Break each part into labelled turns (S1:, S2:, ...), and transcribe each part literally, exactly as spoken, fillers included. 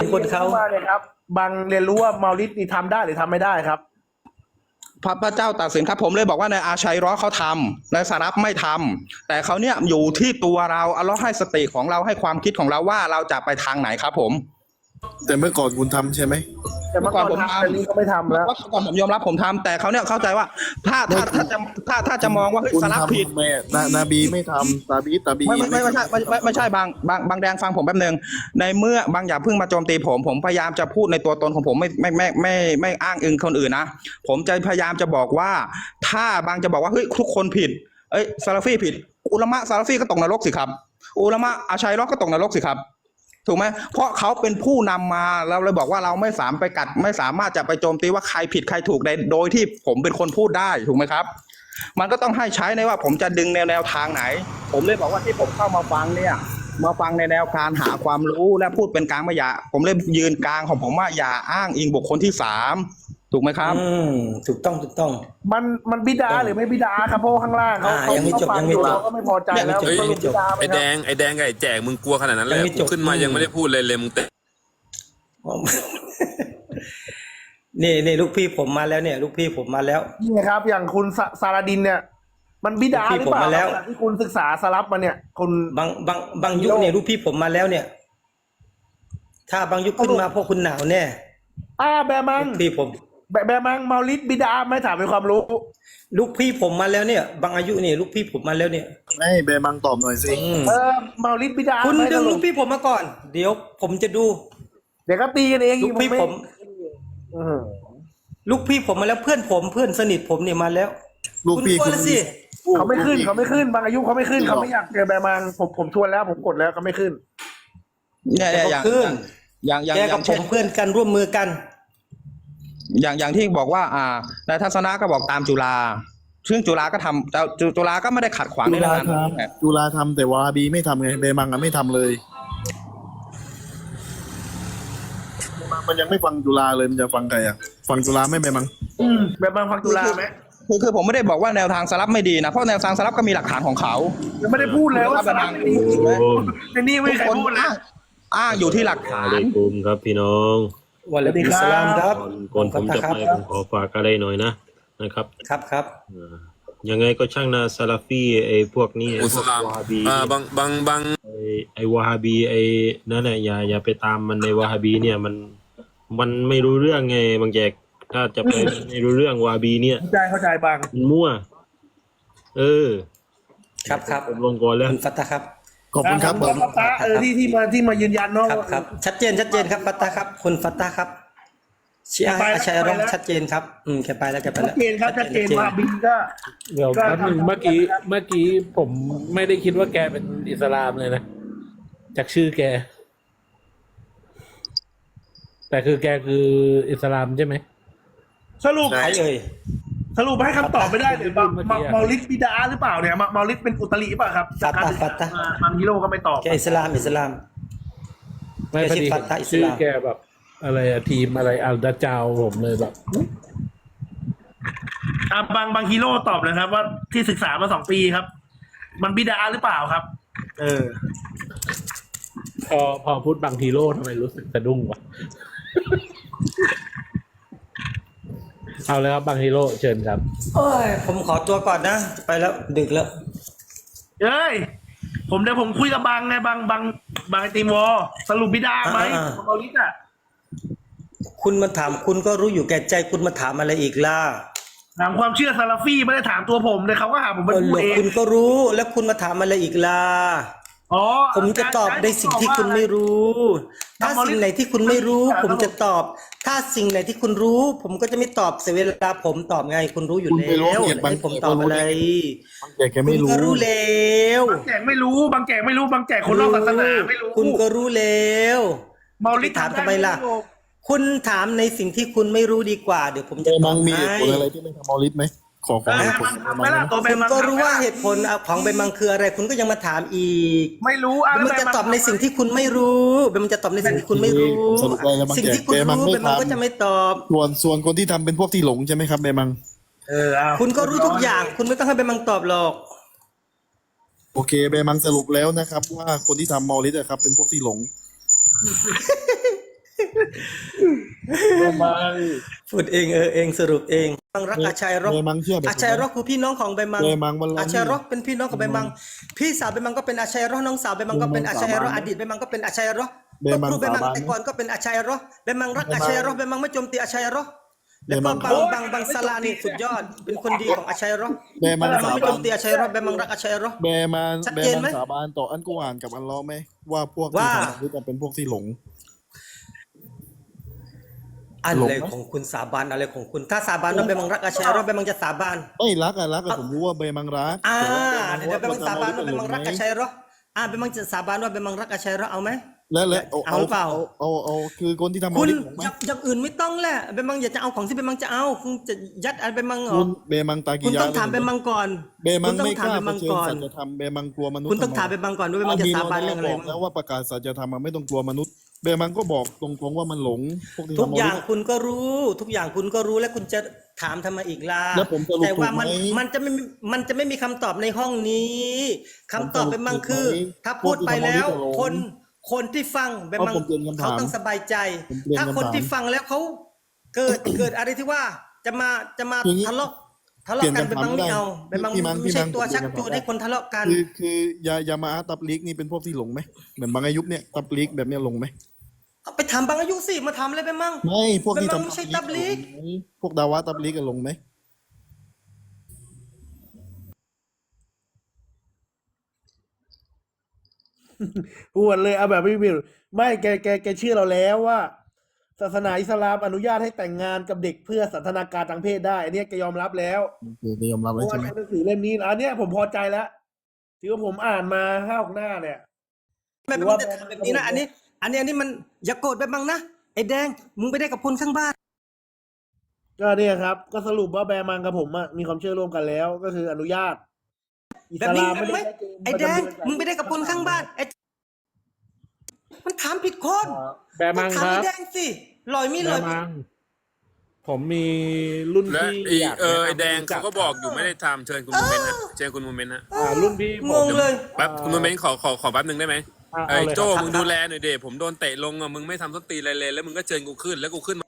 S1: คนเขา
S2: มาเลยครับบางเรียนรู้ว่าเมาลิดนี่ทำได้หรือทำไม่ได้ครับ
S3: พระพระเจ้าตัดสินครับผมเลยบอกว่าในอาชัยร้อเขาทำในสารับไม่ทำแต่เขาเนี่ยอยู่ที่ตัวเราอัลเลาะห์ให้สติของเราให้ความคิดของเราว่าเราจะไปทางไหนครับผม
S4: แต่เมื่อก่อนคุณทำใช่ไหม
S2: แต่เมื่อก่อนผมทำแต่นี้ก็ไม่ทำแล้ว
S3: เมื่อก่อนผมยอมรับผมทำแต่เขาเนี่ยเข้าใจว่าถ้าถ้าถ้าจะถ้าถ้าจะมองว่าเฮ้ยสารับผิด
S4: แม่นาบีไม่ทำนาบีนาบี
S3: ไม่ไม่ไม่ใช่ไม่ไม่ไม่ใช่บางบางบางแดงฟังผมแป๊บนึงในเมื่อบางอย่าเพิ่งมาโจมตีผมผมพยายามจะพูดในตัวตนของผมไม่ไม่ไม่ไม่ไม่อ้างอิงคนอื่นนะผมจะพยายามจะบอกว่าถ้าบางจะบอกว่าเฮ้ยทุกคนผิดเอ้ยซาลาฟีผิดอุลามะซาลาฟีก็ตกนรกสิครับอุลามะอาชัยรอก็ตกนรกสิครับถูกไหมเพราะเขาเป็นผู้นำมาเราเลยบอกว่าเราไม่สามารถไปกัดไม่สามารถจะไปโจมตีว่าใครผิดใครถูกในโดยที่ผมเป็นคนพูดได้ถูกไหมครับมันก็ต้องให้ใช้ในว่าผมจะดึงแนวแนวทางไหนผมเลยบอกว่าที่ผมเข้ามาฟังเนี่ยมาฟังในแนวการหาความรู้และพูดเป็นกลางไม่อย่าผมเลยยืนกลางของผมว่าอย่าอ้างอิงบุคคลที่สามถูกไหมครับ
S1: อืมถูกต้องถูกต้อง
S2: มันมันบิดาหรือไม่บิดาครับเพราะข้างล่างเขาเขาฟังอยู่เราก็ไม่พอใจแล้ว
S5: ไอ้แดงไอ้แดงกับไอ้แจกมึงกลัวขนาดนั้นเลยขึ้นมายังไม่ได้พูดเลยเลยมึงเตะ
S1: นี่นี่ลูกพี่ผมมาแล้วเนี่ยลูกพี่ผมมาแล้ว
S2: นี่ครับอย่างคุณซาลาดินเนี่ยมันบิดาหรือเปล่าที่คุณศึกษาสลับมาเนี่ยคุณ
S1: บางบางบางยุคเนี่ยลูกพี่ผมมาแล้วเนี่ยถ้าบางยุคขึ้นมาพวกคุณหนาวแน่
S2: อ่าแบมัง
S1: พี่ผม
S2: แบบแบบมังเมาลิดบิดาไม่ถามเป็นความรู้
S1: ลูกพี่ผมมาแล้วเนี่ยบางอายุเนี่ยลูกพี่ผมมาแล้วเนี่ย
S4: ไม่เบมังตอบหน่อยสิ
S2: เออเมาลิดบิดา
S1: คุณดึงลูกพี่ผมมาก่อนเดี๋ยวผมจะดู
S2: เดี๋ยวก็ตีกันเอง
S1: ลูกพี่ผมลูกพี่ผมมาแล้วเพื่อนผมเพื่อนสนิทผมเนี่ยมาแล้ว
S4: ลูกพี่คุณ
S1: สิ
S2: เขาไม่ขึ้นเขาไม่ขึ้นบางอายุเขาไม่ขึ้นเขาไม่อยากเจอแบบมังผมผมชวนแล้วผมกดแล้วเขาไม่ขึ้น
S3: เนี่ยอย่างอย่างอย่าง
S1: แกกับผมเพื่อนกันร่วมมือกัน
S3: อย่างอย่างที่บอกว่าอ่านายทัศนะก็บอกตามจุฬาซึ่งจุฬาก็ทำแต่จุฬาก็ไม่ได้ขัดขวางในเรื่องนั้น
S4: จุฬาทำแต่วาบีไม่ทำไงเบมังอ่ะไม่ทำเลยเบมังมันยังไม่ฟังจุฬาเลยมันจะฟังใครอ่ะฟังจุฬาไม่เบมัง
S2: อืมเบมังฟังจุฬาไหม
S3: คือคือผมไม่ได้บอกว่าแนวทางสลับไม่ดีนะเพราะแนวทางสลับก็มีหลักฐานของเขา
S2: ยังไม่ได้พูดเลยว่าสลับไม่ดีในนี่ไม่ใครพูดนะ
S3: อ้างอยู่ที่หลักฐาน
S6: กลุ่มครับพี่น้อง
S1: วันละดีสลามครับ
S6: ก่อนผมจะไปผมขอฝากอะไรหน่อยนะนะครับ
S1: ครับครับ
S6: ยังไงก็ช่างนะซาลาฟีไอ้พวกนี้
S5: ไอ้วาฮาบีอ่าบางบางบาง
S6: ไอ้ไอ้วาฮาบีไอ้นั่นแหละอย่าอย่าไปตามมันในวาฮาบีเนี่ยมันมันไม่รู้เรื่องไงบางแจกถ้าจะไปไม่รู้เรื่องวาฮาบีเนี่ย
S2: เข้าใจเข้าใจบาง
S6: มั่วเออ
S1: ครับครับ
S6: ผมลงก่อนแล้ว
S1: ฟัตตาครับ
S4: ขอบคุณครับ
S2: ผมฟัตตาเออที่ที่มาที่มายืนยันเนาะ
S1: ครับชัดเจนชัดเจนครับฟัตตาครับคุณฟัตตาครับเชียร์อาชัยร้องชัดเจนครับอืมแกไปแล้วแกไปแล้ว
S2: ชัดเจนครับชัดเจนว่าบินก็
S7: เดี๋ยวแป๊บนึงเมื่อกี้เมื่อกี้ผมไม่ได้คิดว่าแกเป็นอิสลามเลยนะจากชื่อแกแต่คือแกคืออิสลามใช่ไหม
S2: สรุป
S1: ใครเอ่ย
S2: สรุปให้คำตอบไม่ได้เลยเมาลิดบิดาหรือเปล่าเนี่ยเมาลิดเป็นอุตริป่ะครับ
S1: ฟัตตาฟัตตา
S2: บางฮีโร่ก็ไม่ตอบ
S1: แกอิสลามอิสลาม
S7: ไม่พอดีชื่อแกแบบอะไรอะทีมอะไรอัลดาจาวผมเลยแบบ
S2: อ่าบางบางฮีโร่ตอบนะครับว่าที่ศึกษามาสองปีครับมันบิดาหรือเปล่าครับเออ
S7: พอพอพูดบางฮีโร่ทำไมรู้สึกสะดุ้งวะเอาเลยครับบางฮีโร่เชิญครับ
S1: โอ้ยผมขอตัวก่อนนะไปแล้วดึกแล้ว
S2: เอ้ยผมเดี๋ยวผมคุยกับบางไงบางบางบางไอติมวอสรุปบิดาไหมเมาลิดอ่ะ
S1: คุณมาถามคุณก็รู้อยู่แก่ใจคุณมาถามอะไรอีกล่ะ
S2: ถามความเชื่อซาลาฟี่ไม่ได้ถามตัวผมเลยเขาก็หาผมเป็นผู้เอง
S1: คุณก็รู้แล้วคุณมาถามอะไรอีกล่ะ
S2: อ๋อ
S1: ผมจะตอบในสิ่งที่คุณไม่รู้ถ้าสิ่งไหนที่คุณไม่รู้ผมจะตอบถ้าสิ่งไหนที่คุณรู้ผมก็จะไม่ตอบเสียเวลาผมตอบไงคุณรู้อยู่แล้วให้ผมตอบอะไร
S4: บางแจกแกไม่รู้
S1: ก็รู้แล้ว
S2: บางแจกไม่รู้บางแจกไม่รู้บางแจกคนนอกศาสนาไม่รู้
S1: คุณก็รู้แล้ว
S2: เมาลิด
S1: ถามทำไมล่ะคุณถามในสิ่งที่คุณไม่รู้ดีกว่าเดี๋ยวผมจะตอบให้
S4: มีเหตุผลอะไรที่ไม่ทำเมาลิดไหมขอขอเหตุผล
S1: คุณก็รู้ว่าเหตุผลของใบมังคืออะไรคุณก็ยังมาถามอีก
S2: ไม่รู้
S1: มันจะตอบในสิ่งที่คุณไม่รู้มันจะตอบในสิ่งที่คุณไม่รู้สิ่งที่คุณรู้ใบมังก็จะไม่ตอบ
S4: ส่วนส่วนคนที่ทำเป็นพวกที่หลงใช่ไหมครับใบมัง
S2: เออ
S1: คุณก็รู้ทุกอย่างคุณไม่ต้องให้ใบมังตอบหรอก
S4: โอเคใบมังสรุปแล้วนะครับว่าคนที่ทำเมาลิดอะครับเป็นพวกที่หลง
S7: บัง
S1: พูดเองเออเองสรุปเองบังรักอาชัยรบ
S4: เบมังเชื่อแบบ
S1: อาชัยรบคือพี่น้องของใบมัง
S4: เบมังวันละ
S1: อาชัยรบเป็นพี่น้องของใบมัง พี่สาวใบมังก็เป็นอาชัยรบน้องสาวใบมังก็เป็นอาชัยรบอดีตใบมังก็เป็นอาชัยรบ
S4: เบมัง
S1: ครูใบมัง
S4: สาบาน
S1: แต่ก่อนก็เป็นอาชัยรบใบมังรักอาชัยรบใบมังไม่โจมตีอาชัยรบ
S4: เบ
S1: แล้ว
S4: มั
S1: ก็
S4: ง
S1: บังบังบังสลานี่สุดยอดเป็นคนดีของอาชัยรบ
S4: เบมัง
S1: ใบมั
S4: สาง
S1: ไม่
S4: บา
S1: โจ
S4: น
S1: มตีอาชัยรบใบมังรักอาชัยรบ
S4: เบมัง
S1: ชัด
S4: เบ
S1: เจน
S4: มั
S1: ไหม
S4: งสาบานต่ออันกูอ่านกับอันล้อไหมว่าพวกที่
S1: ว่า
S4: ทำนี่จะเป็นพวกที่หลง
S1: อะไรของคุณสาบานอะไรของคุณถ้าสาบานว่าใบมังรักอาชัยรบใบมังจะสาบาน
S4: ไม่รักอะรักอะผมรู้ว่าเบมังรัก
S1: อ่า
S4: แต่
S1: เดี๋ยว
S4: ว่า
S1: เดี๋ยวไปมังสาบานว่าไปมังรักอาชัยเหรออ่าไปมังจะสาบานว่าไปมังรักอาชัยเหรอเอาไหม
S4: และและเอา
S1: เอาหรือเปล่า
S4: เอาเอาคือคนที่ทำ
S1: คุณ
S4: เอาลิหลงไหม
S1: อย่างอย่างอื่นไม่ต้องแหละไปมังอยากจะเอาของที่ไปมังจะเอาคุณจะยัดอะไรไปมังเหร
S4: คุ
S1: อ
S4: ณเบมังตากิ
S1: คุณ
S4: ยา
S1: ต้องถามไปมังก่อน
S4: เบมั
S1: คุ
S4: ง
S1: ณต้อ
S4: ไม่
S1: ง
S4: ก
S1: ถาม
S4: ล้า
S1: ไป
S4: เผ
S1: มัง
S4: ชิญ
S1: ก่อน
S4: สัจธรรมเบมังกลัวมนุษย์
S1: คุณต้องถามไปมังก่อนว่าไปมังจะสาบานเรื่องอะไร
S4: บกแล้วว่าประกาศสัจธรรมมันไม่ต้องกลัวมนุษย์เบมังก็บอกตรงๆว่ามันหลงพวกที่
S1: ทุก
S4: ทำ
S1: อย่าง
S4: เลิ
S1: คุณก็รู้ ทุกอย่างคุณก็รู้แล้วคุณจะถามทำไมอีกล่ะ
S4: แล้วผมสรุป
S1: แต่ว่ามัน
S4: ถูกไหม
S1: มันจะไม่มีมันจะไม่มีคำตอบในห้องนี้คำตอบไปมังคือ
S4: ผมสรุปถูกไหม
S1: ถ้าพูดไปแล้ว
S4: พวกที่ทำเอาลิหลง
S1: คนคนที่ฟังไปมัง
S4: เอาผมเปลี่ยนคำถาม
S1: เขาต้องสบายใจ
S4: ผมเปลี่ยน
S1: ถ้าคน
S4: คำถาม
S1: ที่ฟังแล้วเขาเกิด เกิดอะไรที่ว่าจะมาจะมา
S4: อย่างนี้
S1: ทะเลาะทะเลาะกัน
S4: เปลี่
S1: ไป
S4: ยนคำถาม
S1: มังไม่เอาไป
S4: ได้
S1: มัง
S4: พี่มัง
S1: ไม่ใช่
S4: พี่มัง
S1: ตัว
S4: ผมเปลี่
S1: ชั
S4: ย
S1: ก
S4: นคำถาม
S1: จูงให้คนทะเลาะกัน
S4: คือคือยายามาอาตับลิกนี่เป็นพวกที่หลงไหมเหมือนบางอายุเนี่ยตับลิกแบบเนี้ยหลงไหม
S1: เอาไปถามบางอายุสิมาทำอะไรไปมั่ง
S4: ไม่พวกที่
S1: เป็นบาง
S4: ทำ
S1: ไม่ใช่ตับลิก
S4: หลงไหมพวกดาวะตับลิกกันหลงไหม
S2: อวดเลยเอาแบบไม่มีไม่แกแกแกเชื่อเราแล้วว่า ศาสนาอิสลามอนุญาตให้แต่งงานกับเด็กเพื่อสันทนาการทางเพศได้อันเนี้ยแกยอมรับแล้ว
S4: คือจะยอมรับ
S2: เพ
S4: แล้ว
S2: ราะว่า
S4: ใช่ไหม
S2: ในหนังสือเล่มนี้อันเนี้ยผมพอใจแล้วที่ว่าผมอ่านมาห้าหกหน้าเนี่ย
S1: ไม่เป็นจะทำแบบนี้นะอันนี้ อันนี้อันนี้มันอย่าโกรธไปบ้างนะไอ้แดงมึงไปได้กับคนข้างบ้าน
S2: ก็เนี่ยครับ ก็สรุปว่าแบร์มังกับผมอะมีความเชื่อร่วมกันแล้ว ก็คืออนุญาต อิ
S1: แบ
S2: ส
S1: บนี้
S2: ลาม
S1: แบบ
S2: ไม่
S1: ไหม
S2: ได้ชัเจน
S1: ไอ้แดง
S2: ประจำเดือน
S1: มึงไปได้กับคนข้างบ้านไอ้มันถามผิดคน
S7: แบร์มัง
S1: ถาม
S7: ครั
S1: ไอ้
S7: บ
S1: แดงสิลอยมี
S7: แบ
S1: ลอย
S7: ร์
S1: มี
S7: มัง ผมมีรุ่น
S5: และ
S7: พี่
S5: ไอ้
S7: อยาก
S5: เออ
S7: แนะนำ
S5: ไอ้แดง
S7: ให้รู้จั
S5: เขาก็บอกอยู่ไม่ได้ทำเชิญคุณโมเมนต์นะเชิญคุณโมเมนต์นะ
S7: อ่ารุ่นพี่ผ
S1: ง
S7: ม
S1: งเลย
S5: แป๊บคุณโมเมนต์ขอขอขอแป๊บหนึ่งได้ไหม
S7: อ่า
S5: ไอ้
S7: เอาเลย
S5: โจ้
S7: ครับ
S5: มึงดูแลหน่อยเดผมโดนเตะลงอ่ะมึงไม่ทำส้นตีนอะไรเลยแล้วมึงก็เชิญกูขึ้นแล้วกูขึ้นมา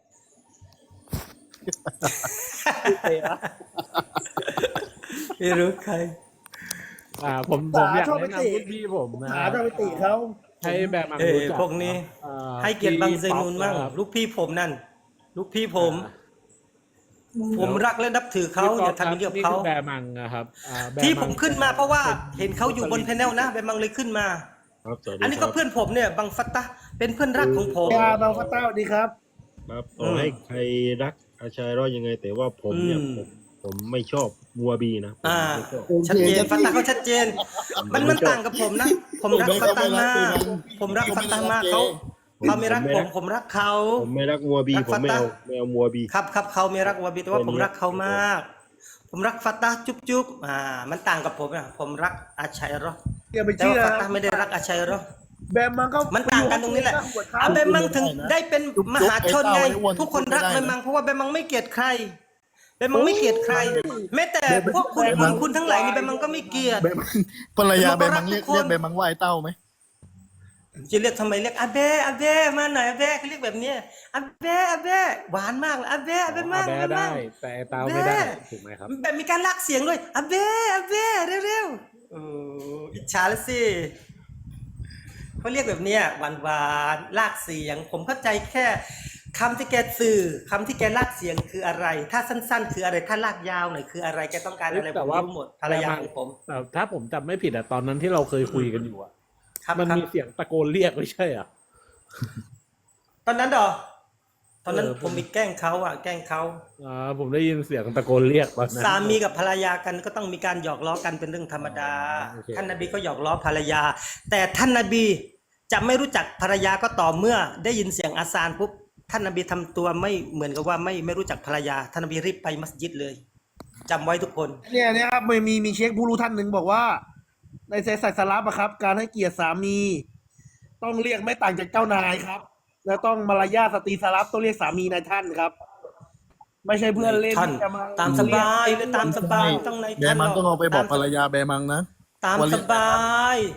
S1: ไม่รู้ใคร
S7: อ่าผมผมอยาก
S2: ชอบไป
S7: แนะ
S2: ติ
S7: นำรุ่นพี่ผมนะ
S2: หาจะไปติเขา
S7: ให้แบร์มัง
S1: เออ
S7: รู้จัก
S1: พวกนี้
S7: อ่า
S1: ให้เกียรติบางเซนูนมั่ง
S7: พี่ป๊อป
S1: ลูกพี่ผมนั่น ลูกพี่ผม
S7: อ่า
S1: ผมรักและนับถือเขาอย่าทำอย่างนี้กับ
S7: นี่
S1: เขา
S7: คือแบร์มังนะครับอ่าแบร์
S1: ที่
S7: ง
S1: ผมขึ้นมาเพราะว่าเห็นเขาอยู่บนแพนเนลนะแบมังเลยขึ้นมา
S6: ครับสวัสดี
S1: อันนี้
S6: ค
S1: ก็
S6: รับ
S1: เพื่อนผมเนี่ยบังฟัตตะเป็นเพื่อนรักของผม
S2: ยาบางฟัตเต้าดีครับ
S6: ครับต่อให้ใครรักอาชัยรอดยังไง แต่ว่าผมเนี่ย
S1: อืม
S6: ผมผมไม่ชอบมัวบีนะผม
S1: อ่า
S6: ไม่ชอบ
S1: ชัดเจนฟัตตาเขาชัดเจน มันมันต่างกับผมนะ ผมรักฟัตตามาก ผมรักฟัตตามากเขาเขาไม่รักผมผมรักเขา
S6: ผมไม่รักมัวบี
S1: รัก
S6: ผมไม่เอา
S1: ฟัตตา
S6: ไม่เอามัวบี
S1: ครับครับเขาไม่รักวาบีแต่ว่าผมรักเขามาก ผมรักฟัตตาจุ๊บจุ๊บอ่า มันต่างกับผมนะผมรักอาชัยรอ
S2: อย่าไป
S1: แต่
S2: เชื่อ
S1: ว่าฟัตตาไม่ได้รักอาชัยรอ
S2: แบร์มังก็
S1: มันต่างกันตรงนี้แหละอาเบมังถึงได้เป็นมหาชนไง ทุกคนรักเบมังเพราะว่าเบมังไม่เกลียดใครเบมังไม่เกลียดใคร แม้แต่พวกคุณคุณคุณทั้งหลายนี่เบมังก็ไม่เกลียด
S4: เบมังภรรยาเบมังเรียก
S1: ทุกคน
S4: เรียกเบมังว่าไอ้เต้าไหม
S1: จะเรียกทำไมเรียกอาเบอาเบมาหน่อยอาเบเขาเรียกแบบเนี้ยอาเบอาเบหวานมากเลยอาเบอาเบมาก
S7: แบ
S1: อา
S7: ร์
S1: เบ
S7: ได้
S1: มาก
S7: แต่ไอ้เตาไม่ได้ถูกไหมครับ
S1: แบบมีการลากเสียงด้วยอาเบอาเบเร็วๆโอ้อิจฉาแล้วสิเขาเรียกแบบเนี้ยหวานหวานๆลากเสียง ผมเข้าใจแค่คำที่แกสื่อคำที่แกลากเสียงคืออะไร ถ้าสั้น ๆ คืออะไรถ้าลากยาวหน่อยคืออะไรแกต้องการอะไร
S7: แต่
S1: ผม
S7: ว่า
S1: รู้หมดภรรยาของผม
S7: แต่ถ้าผมจำไม่ผิดอะตอนนั้นที่เราเคยคุยกันอยู่อะ
S1: ครับ
S7: มัน
S1: ครับ
S7: มีเสียงตะโกนเรียกไม่ใช่อ่ะ
S1: ตอนนั้นเหรอตอนนั้น
S7: เออ
S1: ผมมีแกล้งเขาอ่ะแกล้งเขา
S7: อ่าผมได้ยินเสียงตะโกนเรียกตอนนั้น
S1: สามีกับภรรยากันก็ต้องมีการหยอกล้อกันเป็นเรื่องธรรมดา
S7: โอเค
S1: ท่านนบีก็หยอกล้อภรรยา แต่ท่านนบีจะไม่รู้จักภรรยาก็ต่อเมื่อได้ยินเสียงอาซานปุ๊บท่านนบีทำตัวไม่เหมือนกับว่าไม่ไม่รู้จักภรรยาท่านนบีรีบไปมัสยิดเลยจำไว้ทุกคน
S2: เนี่ยเนี่ยครับมีมีมีเช็คผู้รู้ท่านหนึ่งบอกว่า ในเซสัยสลับอะครับ การให้เกียรติสามี ต้องเรียกไม่ต่างจากเจ้านายครับ แล้วต้องมารยาทสตรีสลับต้องเรียกสามีนายท่านครับ ไม่ใช่เพื่อนเล่น
S1: ท่าน
S2: ที่จะมา
S1: ตามสบายเลยตามสบายต้องใน
S4: เบ
S1: ท่าน
S4: มังต้องเอาไปบอกภรรยาเบมังนะ
S1: ตาม
S4: วัน
S1: ส
S4: นี้
S1: บาย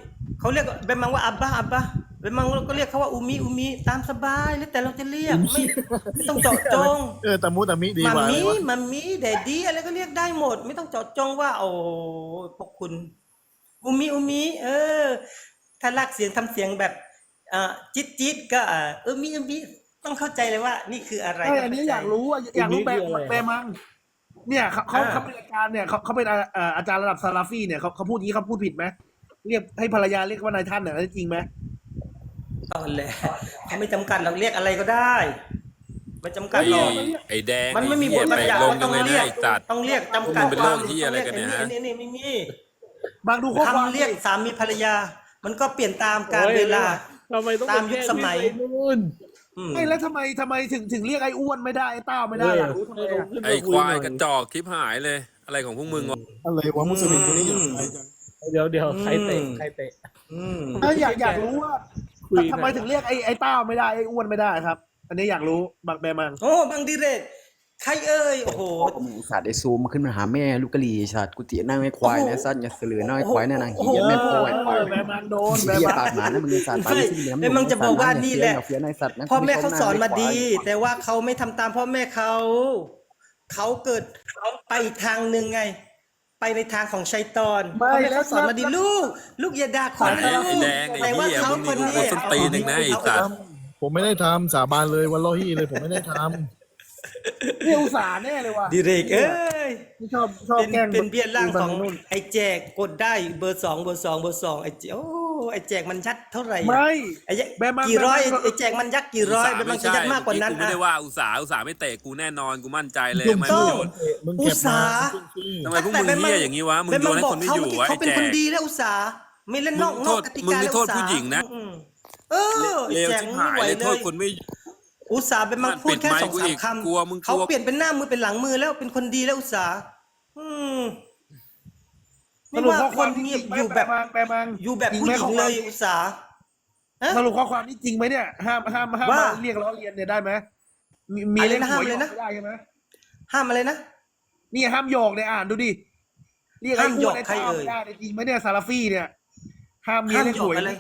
S1: เขาเรียกเบมังว่าอับบาอับบาเบมังก็เรียกเขาว่าอูมิอูมิตามสบายแล้วแต่เราจะเรียกไม่ไม่ต้องเจาะจง
S4: เออตะมุตะมิดี
S1: มั
S4: กว่า
S1: ม
S4: เล
S1: มี่
S4: ยวะ
S1: มัมมี่แดดดี้อะไรก็เรียกได้หมด ไม่ต้องเจาะจงว่า โอ้พวกคุณอูมิอูมิเออ ถ้าลากเสียงทำเสียงแบบอ่าจิ๊ดจิ๊ดก็อ่าเออมิอูมิต้องเข้าใจเลยว่า นี่คืออะไร
S2: ใช่อันนี้อยากรู้ว่าอยากรู้แบ
S7: อันนี้คืออะไร
S2: แบมังเนี่ยเขาเขา
S1: อ่า
S2: เขาเป็นอาจารย์เนี่ยเขาเขาเป็นอาเอ่ออาจารย์ระดับซาลาฟี่เนี่ยเขาเขาพูดอย่างนี้เขาพูดผิดไหมเรียกให้ภรรยาเรียกว่านายท่านเนี่ยจริงไหม
S1: ตอนแหละเขาไม่จำกัดเราเรียกอะไรก็ได้ ไม่จำกัด
S5: ไอ้
S1: หรอก
S5: ไอ้แดง
S1: มันไม่มีบทบัญญัติ
S5: ลง
S1: ว่า
S5: ยั
S1: ต้อง ง
S5: เลย
S1: เรี
S5: นะ
S1: ยก
S5: ไอ้สัตว์
S1: ต้องเรียกจำกัด
S5: มึงเป็นโรคเหี้ยอะไรกันเนี่ยฮะ
S1: นี่นี่ไม่มี
S2: บางดูข้อความ
S1: คำเรียกสามีภรรยา มันก็เปลี่ยนตามกาลเวลา
S7: ทำไมต้อง
S1: ตามยุคสมัย
S7: ไปนู่น
S1: อืม
S2: ไอ้แล้วทำไมทำไมถึงถึงเรียกไอ้อ้วนไม่ได้ไอ้เต้าไม่ได้อยากรู้ทำไมอะ
S5: ไอ้ควายกระจอกคลิปหายเลย อะไรของพวกมึงวะ
S4: อะไรวะมุสลิมคนนี้อยู่ไหนจัง
S7: เดี๋ยวเดี๋ยวใครเตะใครเตะ
S1: อืม
S2: เอออยากอยากรู้ว่า
S7: คุยกัน
S2: ทำไมถึงเรียกไอ้ไอ้เต้าไม่ได้ไอ้อ้วนไม่ได้ครับ อันนี้อยากรู้บักแบมัง
S1: โอ้บางดีเรกใครเอ่ยโอ้โห
S8: มึงสัตว์ไอ้ซูมขึ้นมาหาแม่ลูกกะหรี่สัตว์กูเตี๋ยนั่งไอ้ควายนะสัตว์อย่าเสือน้อยควายนะนางเหี้ยแม่พ่อไอ้ควาย
S2: แบมังโดนแบ
S8: เหี้ย
S2: มัง
S8: ปากหมานะมึงสัตว์ปากที่เหลี่ยม
S1: ไม่มันจะบอกว่านี่แหละ
S8: เฟี้ยนไอ้สัตว์นะ
S1: พ่อแม่เขาสอนมาดี แต่ว่าเขาไม่ทำตามพ่อแม่เขาเขาเกิดเขาไปอีกทางหนึ่งไง ไปในทางของชัยตอนพ่อแม่เขาสอนมาดีลูก ลูกอย่าด่าขวัญ
S5: ไอ้
S1: นะลู
S5: ไอ้
S1: ก
S5: แดงไอ้
S1: แต่ว่า
S5: เหี้ย
S1: เขา
S5: มึง
S1: คน
S5: นี่
S1: นี้
S5: กูส้นตีนหนึ่งนะไอ้สัตว์
S4: ผมไม่ได้ทำสาบานเลยวันลอฮีเลยผมไม่ได้ท
S2: เนี่ยอุตส่าห์แน่เลยว่ะ
S1: ดีเรกเอ้ย
S2: ไม่ชอบชอบ
S1: เป็น
S2: แกล้ง
S1: เป็นเบี้ยล่างของ
S2: นู่น
S1: ไอ้แจกกดได้เบอร์สองเบอร์สองเบอร์สองไอ้แจกโอ้ไอ้แจกมันยัดเท่าไหร่อะ
S2: ไม่
S1: ไอ้แจก
S2: แบมมัง
S1: กี่ร้อย
S2: แบมมัง
S1: ไอ้แจกมันยัดกี่ร้อยแบมมังจะยัดมากกว่านั้น
S5: กูไม่
S1: อะ
S5: ได้ว่าอุตสาห์อุตสาห์ไม่เตะกูแน่นอนกูมั่นใจเลย
S1: ถูก
S5: ไม่
S1: ต้
S5: มึ
S1: อง
S5: งโยน
S4: ำมึง
S1: อุ
S4: เก็
S1: ต
S4: บ
S1: สา
S4: มา
S1: ห์
S5: ทำไมพวกมึงเหี้ยอย่างนี้วะมึง
S1: แบ
S5: โยนให้
S1: บ
S5: คนไม่
S1: เขา
S5: อยู่
S1: เมื่อกี้
S5: วะ
S1: เขา
S5: ไอ้
S1: เป็น
S5: แจ
S1: คน
S5: ก
S1: ดีแล้วอุตสาห์ไม่เล่นนอก
S5: มึง
S1: น
S5: โท
S1: อก
S5: ษ
S1: กติ
S5: มึง
S1: กา
S5: นี่
S1: แล้ว
S5: โทษ
S1: อุตสา
S5: ผู้หญิงนะ
S1: อืมเออ
S5: เลว
S1: แจก
S5: ชิบ
S1: ไม่
S5: หาย
S1: ไหว
S5: เลย
S1: เล
S5: โทษ
S1: ย
S5: คนไม่
S1: อุตสาห์เป็นมังพูดแค่
S5: ปิดไมค์
S1: สอง
S5: กู
S1: สา
S5: อี
S1: ม
S5: ก
S1: คำ
S5: กลัวมึงกลัว
S1: เขาเปลี่ยนเป็นหน้ามือเป็นหลังมือแล้วเป็นคนดีแล้วอุตสาห์อืม
S2: ส
S1: ไม่
S2: รุป
S1: ว่า
S2: ข้อ
S1: ค
S2: ความ
S1: น
S2: ที่
S1: เงี
S2: จ
S1: ย
S2: ริ
S1: บ
S2: งไหม
S1: อยู่
S2: แบ
S1: แบบ บ
S2: มังแบมัง
S1: อยู่แบบ
S2: จริง
S1: ผู้
S2: ไหม
S1: หญิ
S2: ข้
S1: ง
S2: อค
S1: เล
S2: วาม
S1: ยอุตสาห์ฮะ
S2: สรุปข้อความนี้จริงไหมเนี่ยห้ามห้ามห้าม
S1: ว่า
S2: มาเรียกล้อเลียนเนี่ยได้ไหมมีมี
S1: อะไร
S2: เล่น
S1: นะ
S2: หวย
S1: ห้ามเลยนะ
S2: ไม่ได้ใช่ไหม
S1: ห้ามอะไรนะ
S2: นี่ห้ามโยกเนี่ยอ่านดูดิเรียกไอ้
S1: ห้าม
S2: อ้
S1: โย
S2: วน
S1: ก
S2: ไอ้
S1: ใคร
S2: เต้า
S1: เอ่ย
S2: ไม่ได้เนี่ยจริงไหมเนี่ยซาลาฟี่เนี่ยห้ามมี
S1: ห้าม
S2: เล่นหวย
S1: โยกอะไร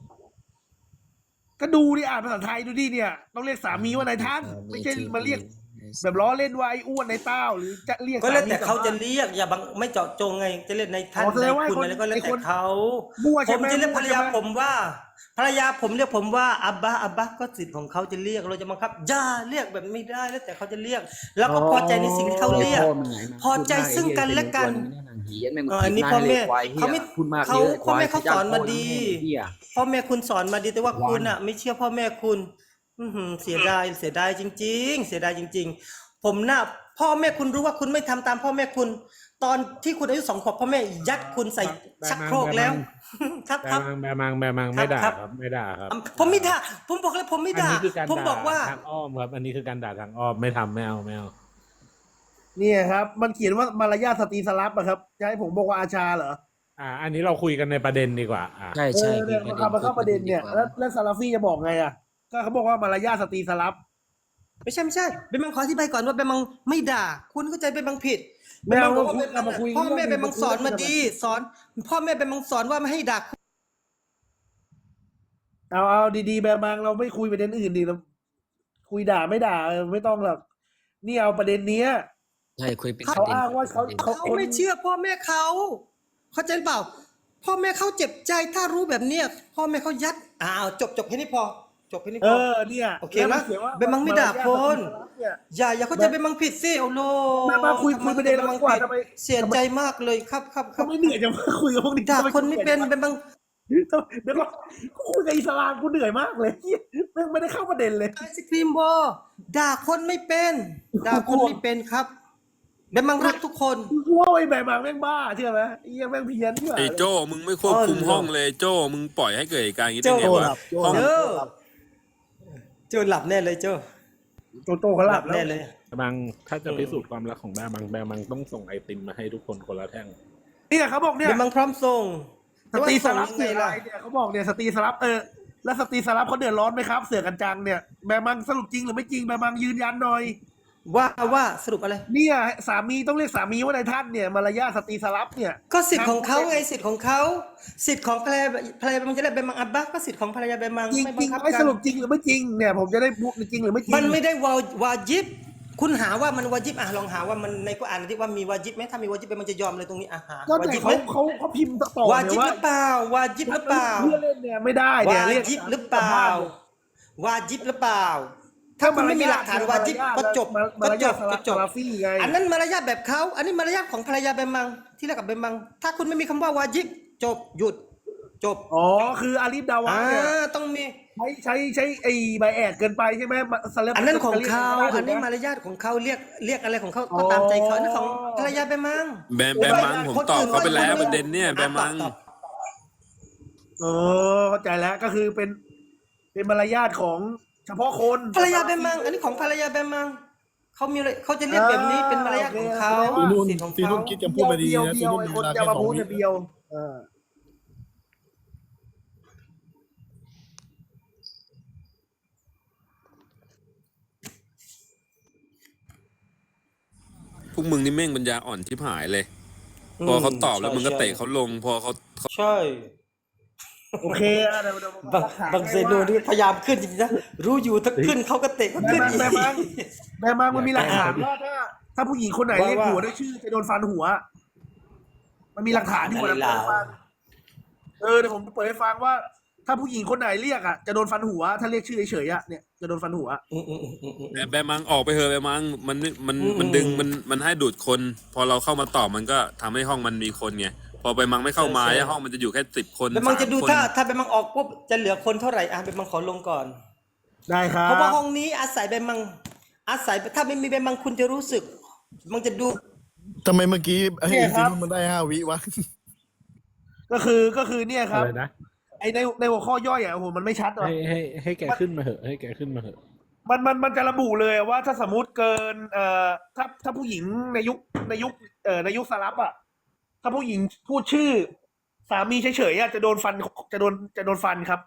S2: ก็ดูดิอ่านภาษาไทยดูดิเนี่ยต้องเรียกสามีว่านายท่านไม่ใช่มาเรียก แบบล้อเล่นว่าไอ้อ้วนไอ้เต้าหรือจะเรียก
S1: ก็แล้วแต่
S2: สมี
S1: เขาจะเรียกอย่าบังไม่เจาะจงไงจะเรียกในท่าน
S2: อ๋อแส
S1: ใน
S2: ดงว่า
S1: คุณ
S2: คน
S1: อะไรก็แล้ว
S2: ไอ้
S1: แต่
S2: คน
S1: เขา
S2: มั่ว
S1: ผ
S2: ใช่
S1: ม
S2: ไหม
S1: จะเรียก
S2: มั่
S1: ภ
S2: ว
S1: รร
S2: ใช่
S1: ยา
S2: ไหม
S1: ผมว่าภรรยาผมเรียกผมว่าอับบาอับบาก็สิทธิ์ของเขาจะเรียกเราจะบังคับอย่าเรียกแบบไม่ได้แล้วแต่เขาจะเรียก แล้วก็พอใจในสิ่งที่เขาเรียก พอใจซึ่งกันและกัน เอออันนี้พ่อแม่เขาไม่
S8: พูดมาก
S1: เขา
S8: เยอะ
S1: พ่อแม่เขาสอนมาดี
S8: เหี้ย
S1: พ่อแม่คุณสอนมาดีแต่ว่าคุณอ่ะ ไม่เชื่อพ่อแม่คุณ อือหือเสียดายเสียดายจริง ๆ เสียดายจริง ๆ ผมน่ะพ่อแม่คุณรู้ว่าคุณไม่ทำตามพ่อแม่คุณ ตอนที่คุณอายุสองขวบพ่อแม่ยัดคุณใส่ชักโครกแล้ว ครับ
S7: แบ
S1: ครับ
S7: มังแบมังแบมังไม่ด่า
S1: ครับ
S7: ครับไม่ด่าครับ
S1: ผมไม่ด่าผมบอกเลยผมไม่
S7: อัน
S1: ด่า
S7: นี้คือการ
S1: ผม
S7: ด่า
S1: บอกว่า
S7: ทางอ้อมครับอันนี้คือการด่าทางอ้อมไม่ทำไม่เอาไม่เอา
S2: เนี่ยครับ มันเขียนว่ามารยาทสตรีสลับอะครับจะให้ผมบอกว่าอาชาเหรอ
S7: อ่า อันนี้เราคุยกันในประเด็นดีกว่าอ่า
S8: ใช่
S2: เอ
S8: ใช่
S2: อเนี่ยมันเข้ามาเข้าประเด็นเนี่ยแล้วแล้วซาลาฟี่จะบอกไงอะก็เขาบอกว่ามารยาทสตรีสลับ
S1: ไม่ใช่ไม่ใช่เบนบังขออธิบายก่อนว่าเบนบังไม่ด่า คุณเข้าใจเบนบังผิด
S2: ไม่เอา
S1: เบนบังบอกว่าเบนบัง
S2: เรามาคุย
S1: พ่อแม่
S2: เรื่
S1: เบ
S2: อง
S1: นบังสอนมาดี สอน พ่อแม่เบนบังสอนว่าไม่ให้ด่า
S2: เอาเอาดีๆแบบบางเราไม่คุยประเด็นอื่นดิเราคุยด่าไม่ด่าเออไม่ต้องหรอกนี่เอาประเด็นเนี้ย
S8: ใช่คุยเป็น
S2: เขาอ้างว่าเขาเขา
S1: เขาไม่เชื่อพ่อแม่เขาเข้าใจเปล่า พ่อแม่เขาเจ็บใจถ้ารู้แบบเนี้ยพ่อแม่เขายัดอ้าวจบจบแค่นี้พอ จบแค่นี้
S2: เอ
S1: พอ
S2: อเนี่ย
S1: โอเค
S2: แล้ว
S1: นะ
S2: ขียว่า
S1: เบนบังไม่ด่าคน
S2: เนี่ย
S1: อย่าอย่าเข้าใจเบนบังผิดสิโอ้โล
S2: มามาคุย
S1: ทำไ
S2: คุยประเด็น
S1: บ
S2: เรา
S1: บั
S2: ดีกว่า
S1: ผิด
S2: ทำไม
S1: เสียใจมากเลยครับครับครั
S2: เขา
S1: บ
S2: ไม่เหนื่อยจะมาคุยกับพวกนี้
S1: ด่าคนไม่เป็นเบนบัง
S2: เดี๋ยวก็คุยกับอิสลามกูเหนื่อยมากเลยแม่งไม่ได้เข้าประเด็นเลย
S1: ไอศครีมบอด่าคนไม่เป็นด่าคนไม่เป็นครับเบนบังรักทุกคน
S2: กูว่าไอ้แบบบางแม่งบ้าเชื่อไหมไอ้เหี้ยังแม่งเพี้ยนเชื่อ
S5: ไอ้โจ้มึงไม่ควบคุม
S1: อ๋อ
S5: ห้องเลยโจ้มึงปล่อยให้เกิดเหตุการณ์อย่างนี้ได้ไง
S1: โจ้
S5: วะห้อง
S1: เจอเจอหลับแน่เลยเจอ
S2: โตโตเขาหลับแล้ว
S1: แน่เลย
S7: แบมังถ้าจะพิสูจน์ความรักของแบมังแบมังต้องส่งไอติมมาให้ทุกคนคนละแท่ง
S2: เนี่ยเขาบอกเนี่ย
S1: เบนบังพร้อมส่ง
S2: สตรีสลับ
S1: ไง
S2: เสืออะไร
S1: ล่ะ
S2: เนี่ยเขาบอกเนี่ยสตรีสลับเออแล้วสตรีสลับเขาเดือดร้อนไหมครับ เสือกันจังเนี่ยแบมังสรุปจริงหรือไม่จริงแบมังยืนยันหน่อย
S1: ว่าว่าสรุปอะไร
S2: เนี่ยสามีต้องเรียกสามีว่านายท่านเนี่ยมารยาทสตรีสลับเนี่ย
S1: ก็สิทธิ์ของเขาไงสิทธิ์ของเขาสิทธิ์ของภรรยาภรรยามันจะได้เป็นมังอับบะก็สิทธิ์ของภรรยาเป็นมัง
S2: จริง
S1: ไม่
S2: จ
S1: บั
S2: ริ
S1: ง
S2: ง
S1: คับ
S2: ไอ้
S1: กั
S2: ส
S1: น
S2: รุปจริงหรือไม่จริงเนี่ยผมจะได้พูดจริงหรือไม่จริง
S1: มันไม่ได้วาวาจิบคุณหาว่ามันวาจิบอ่ะลองหาว่ามันในกุรอานที่ว่ามีวาจิบไหมถ้ามีวาจิบมันจะยอมเลยตรงนี้อ่ะหา
S2: ก็
S1: วา
S2: แต่
S1: จิบ
S2: เขา
S1: ไหม
S2: เขาเขาพิมพ์ต่อ
S1: วา
S2: เนี่
S1: จิ
S2: ย
S1: บ
S2: ว่า
S1: หรือเปล่าวาจิบหรือเปล่า
S2: เพื่อเล่นเนี่ยไม่ได้เนี่ยว
S1: า
S2: เรียก
S1: จิบหรือเปล่าวาจิบหรือเปล่า ถ้าคุณไม่มีหลักฐานวาจิบก็จบ
S2: มา
S1: ก็
S2: ร
S1: จ
S2: ยา
S1: บ
S2: ท
S1: ก็จบ
S2: ซาลาฟี่ไง
S1: อันนั้นมารยาทแบบเขาอันนี้มารยาทของภรรยาเบมังที่เรียกกับเบมังถ้าคุณไม่มีคำว่าวาจิบจบหยุดจบ
S2: อ๋อคืออาลีฟดาวะ
S1: อ่า
S2: เนี่ย
S1: ต้องมี
S2: ใช้ใช้ใช้ไอ้ใบแอดเกินไปใช่ไหมซาลา
S1: อันนั้นของเขา
S2: จะรียก
S1: อันนี้
S2: ถูกไห
S1: มารยาทของเขาเรียกเรียกอะไรของเขาก็ตามใจเขาอันนั้นของภรรยาเบมัง
S5: แบมแบมมังผมตอบเขาไปแล้วประเด็นเนี่ยแบมมัง
S1: ตอบ
S2: เออเข้าใจแล้วก็คือเป็นเป็นมารยาทของเฉพาะคน
S1: ภรรยาเบมัง อันนี้ของภรรยาเบมังเขามีอะไรเขาจะเรียกแบบนี้เป็นมารยาทของเขา
S4: ตีนุ่น
S1: สิทธิ์ของ
S4: ตี
S1: เขา
S4: นุ่นคิดจะพูดไปดี
S2: เบียว
S4: นะ
S2: เบี
S4: ตี
S2: ยว
S4: นุ่น
S2: ไอ้
S4: มี
S2: ค
S4: เวน ลา
S2: จะ
S4: แค่
S2: มา
S4: สอ
S2: พู
S4: ง
S2: ด
S4: วิ
S2: เนี่ยเบียวเออ
S5: พวกมึงนี่แม่งปัญญาอ่อนชิบหายเลย
S1: อืม
S5: พอเขาตอบแล้ว
S1: ใช่
S5: มึงก็
S1: ใช่
S5: เตะเขาลง พอเขาเขา
S1: ใช่
S2: โอเคอะเดี๋ยวเดี๋ยว
S1: บางบางเซนูนี่พยายามขึ้นจริงๆนะรู้อยู่ถ้าขึ้นเขาก็เตะเขา
S2: แม่
S1: ขึ้น
S2: มัง
S1: อีก
S2: แม่มังแม่มังมันมีหลักฐานว่าถ้าถ้าผู้หญิงคนไหนเรียกหัวด้วยชื่อจะโดนฟันหัว มันมีหลักฐานที่ผมจะเปิดให้ฟังเออเดี๋ยวผมเปิดให้ฟังว่า ถ้าผู้หญิงคนไหนเรียกอ่ะจะโดนฟันหัว ถ้าเรียกชื่อเฉยๆอ่ะเนี่ยจะโดนฟันหัว
S1: อืมอืมอืมอืมอืม
S5: แบแบมมังออกไปเถอะแบมมังมันมัน
S1: อืม
S5: มันดึงมันมันให้ดูดคน พอเราเข้ามาตอบมันก็ทำให้ห้องมันมีคนไงพอไปมังไม่เข้ามา
S1: ใช่ใช่
S5: ห้องมันจะอยู่แค่สิบคน
S1: เบมังจะดู
S5: สมคน
S1: ถ้าถ้าเบมังออกปุ๊บจะเหลือคนเท่าไหร่อ่ะเบมังขอลงก่อน
S2: ได้ครั
S1: เพราะว่า
S2: บ
S1: ห้องนี้อาศัยเบมัง อาศัยถ้าไม่มีเบมังคุณจะรู้สึก มันจะดู
S4: ทำไมเมื่อกี้ไอ้
S2: เนี่ยค
S4: ตี
S2: รับ
S4: นุ่นมันได้ห้าวิวะ
S2: ก็คือก็คือเนี่ยครับ
S7: อะไรนะ
S2: ไอในในหัวข้อย่อยอ่ะโอ้โหมันไม่ชัดหรอก
S7: ให้ให้ให้แกขึ้นมาเหอะให้แกขึ้นมาเหอะ
S2: มันมันมันจะระบุเลยว่าถ้าสมมติเกินเอ่อถ้าถ้าผู้หญิงในยุคในยุคเอ่อในยุคสลับอ่ะถ้าผู้หญิงพูดชื่อ สามีเฉยๆอ่ะจะโดนฟันจะโดนจะโดนฟันครับ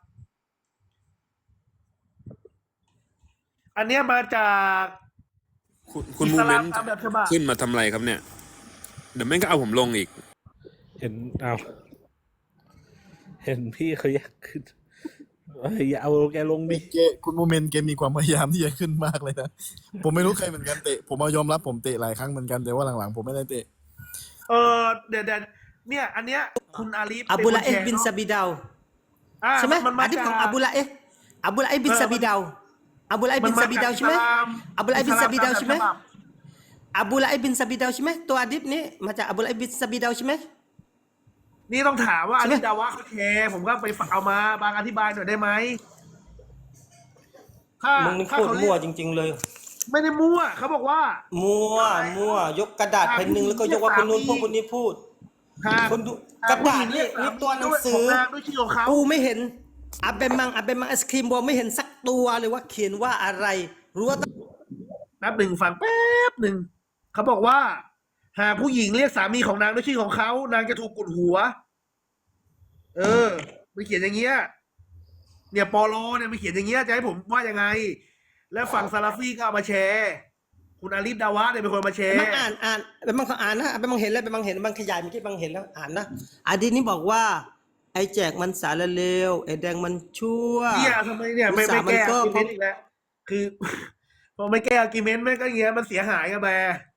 S2: อันเนี้ยมาจาก
S5: คุณคุณ
S2: อิ
S5: มู
S2: ส
S5: เม
S2: ลาม
S5: นต์
S2: ตามแบบฉบับ
S5: ขึ้นมาทำอะไรครับเนี่ย เดี๋ยวแม่งก็เอาผมลงอีก
S7: เห็นเอาเห็นพี่เขาอยากขึ้นเอ้ยอย่าเอาแกลงดิ
S4: เกคุณโมเมนต์เกมมีความพยายามที่จะขึ้นมากเลยนะ ผมไม่รู้ใครเหมือนกันเตะ ผมเอายอมรับผมเตะหลายครั้งเหมือนกันแต่ว่าหลังๆผมไม่ได้เตะ
S2: เออเดี๋ยวเดี๋ยวเนี่ย อันเนี้ยคุณอาลีฟ
S1: อับดุลลาเอฟ
S2: ป็ค
S1: บิน
S2: แช
S1: ซา
S2: ร์
S1: บิดาว
S2: อ่า
S1: ใช่ไหม
S2: มันมา
S1: อันนี้
S2: จาก
S1: ของอับดุลลาเอฟอับดุลลาเอฟบิน
S2: เออ
S1: ซาบิดาวอับดุลลาเอฟบินซาบิดาวใช่ไหม อับดุลลาเอฟบินซาบิดาวใช่ไหม อับดุลลาเอฟบินซาบิดาวใช่ไหมตัวอดิบนี้มาจากอับดุลลาเอฟบินซาบิดาวใช่ไหม
S2: นี่ต้องถามว่า
S1: ใช่
S2: อา
S1: ไหม
S2: ลีฟดาวะเขาแชร์ผมก็ไปฝากเอามาบางอธิบายหน่อยได้ไหมถ้า
S1: มึงนี่
S2: ถ้า
S1: โคตร
S2: เขาเรี
S1: มั่วย
S2: ก
S1: จริง ๆ เลย
S2: ไม่ได้มั่วเขาบอกว่า
S1: มั่วมั่วยกกระดาษแผ่นหนึ่งแล้วก็ยกว่าคนนู้นพวกคนนี้พูด
S2: หาก
S1: คนดู
S2: หาก
S1: ระดาษ
S2: ผู้หญิ
S1: นี่
S2: งเรียก
S1: มีตัวหนังสื
S2: ข
S1: อ
S2: นางด้วยชื่อของเขา
S1: กูไม่เห็นอับเบมังอับเบมังไอศครีมบอลไม่เห็นสักตัวเลยว่าเขียนว่าอะไร รู้ว่า
S2: แป๊บหนึ่งฟังแป๊บหนึ่งเขาบอกว่า หากผู้หญิงเรียกสามีของนางด้วยชื่อของเขานางจะถูกกุดหัว เออมันเขียนอย่างเงี้ยเนี่ยปอโลเนี่ยมันเขียนอย่างเงี้ยจะให้ผมว่ายังไง แล้วฝั่งซาลาฟีก็เอามาแชร์ คุณอาลีฟดาวะเนี่ยเป็นคนมาแชร์
S1: บางอ่านอ่านเป็นบางเขาอ่านนะเป็นบางเห็นแล้วเป็นบางเห็นบางขยายเมื่อกี้บางเห็นแล้วอ่านนะอาดีนี้บอกว่า ไอ้แจกมันสารเลวไอ้แดงมันชั่ว
S2: เนี่ยทำไมเนี่ยไม่ไม่แก้
S1: อุตส่าห์มันก็
S2: อาร์กิเมนต์อีกแล้วคือ พอไม่แก้อาร์กิเมนต์แม่งก็อย่างเงี้ยมันเสียหายกันแบ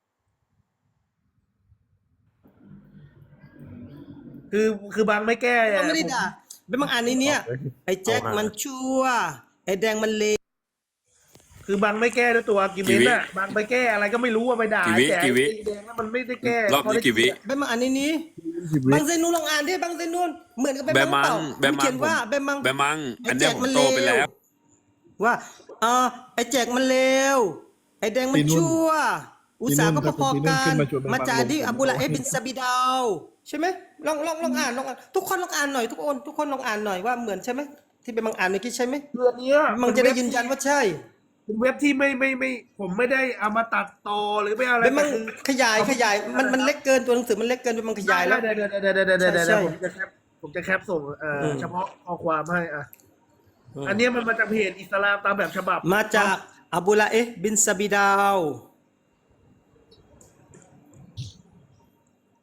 S2: คือคือบางไม่แก้
S1: ก็
S2: เนี่ย
S1: ไม่ได้ด่าเป็นบางอ่านในเนี้ยไอ้แจ็คมันชั่วไอ้แดงมันเลว
S2: คือบางไม่แก้ด้วยตัวอาร์กิเมนต์อะบางไปแก้อะไรก็ไม่รู้ว่าไปด่า
S5: กี่วิ
S2: แต่
S5: กี่วิ
S2: ไอ้แดงนั้นมันไม่ได้แก้
S5: รอบนี้กี่วิ
S1: เป็นบางอ่านในนี้บางเซนูนลองอ่านดิบางเซนูนเหมือนกับเป็น
S5: แบม
S1: บาง
S5: มั
S1: เป
S5: ง
S1: ล่า
S5: แบม
S1: มัน
S5: มั
S1: เขี
S5: ง
S1: ยนว่าแบมมัง
S5: แบมมัง อันเนี้ยผม
S1: ไอ้
S5: โต
S1: แจกมัน
S5: ไปแล้ว
S1: ว่าเออไอ้แจกมันเลวไอ้แดงมันชั่ว อุตสาห์ก็พอๆกันมาจากที่อับดุลลาเอฟบินซาบิดาวใช่ไหมลองลองลองอ่านลองอ่านทุกคนลองอ่านหน่อยทุกคนทุกคนลองอ่านหน่อยว่าเหมือนใช่ไหมที่เป็นบางอ่านเมื่อกี้ใช่ไหม
S2: เรื่องเนี้ย
S1: มันจะได้ยืนยันว่าใช่
S2: เป็นเว็บที่ไม่ไม่ไม่ผมไม่ได้เอามาตัดต่อหรือไม่อะไร
S1: เป็นมัน
S2: แต่คือ
S1: ขยายขยายมันมันเล็กเกินตัวหนังสือมันเล็กเกินเป็นมันขยายแล้ว
S2: ได้ได้ได้ได้ได้ได้ได้
S1: ใช่
S2: ได้ผมจะแคปผมจะแคปส่งเอ่ออ
S1: ม
S2: เฉพาะข้อความให้อ่ะ
S1: อืม
S2: อันเนี้ยมันมาจากเพจอิสลามตามแบบฉบับ
S1: มาจากอับดุลลาเอฟบินซาบิดาว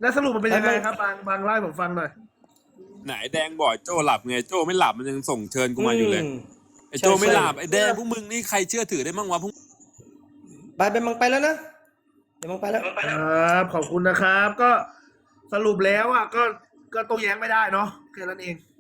S2: แล้วสรุปมันเป็นยังไงครับบางบางไล่ผมฟังหน่อย
S5: ไหนแดงบอกโจ้หลับไงโจ้ไม่หลับมันยังส่งเชิญกูมาอยู่เลย
S1: ม
S5: ไอ้โจ้ไม่หลับ
S1: ใช่
S5: ไอ้แดงพวกมึงนี่ใครเชื่อถือได้มั่งวะพวก
S1: ไปไปมังไปแล้วนะเดี๋ยวมังไปแล้ว
S2: ครับขอบคุณนะครับ ก็สรุปแล้วอ่ะก็ก็โต้แย้งไม่ได้เนาะแค่นั้นเอง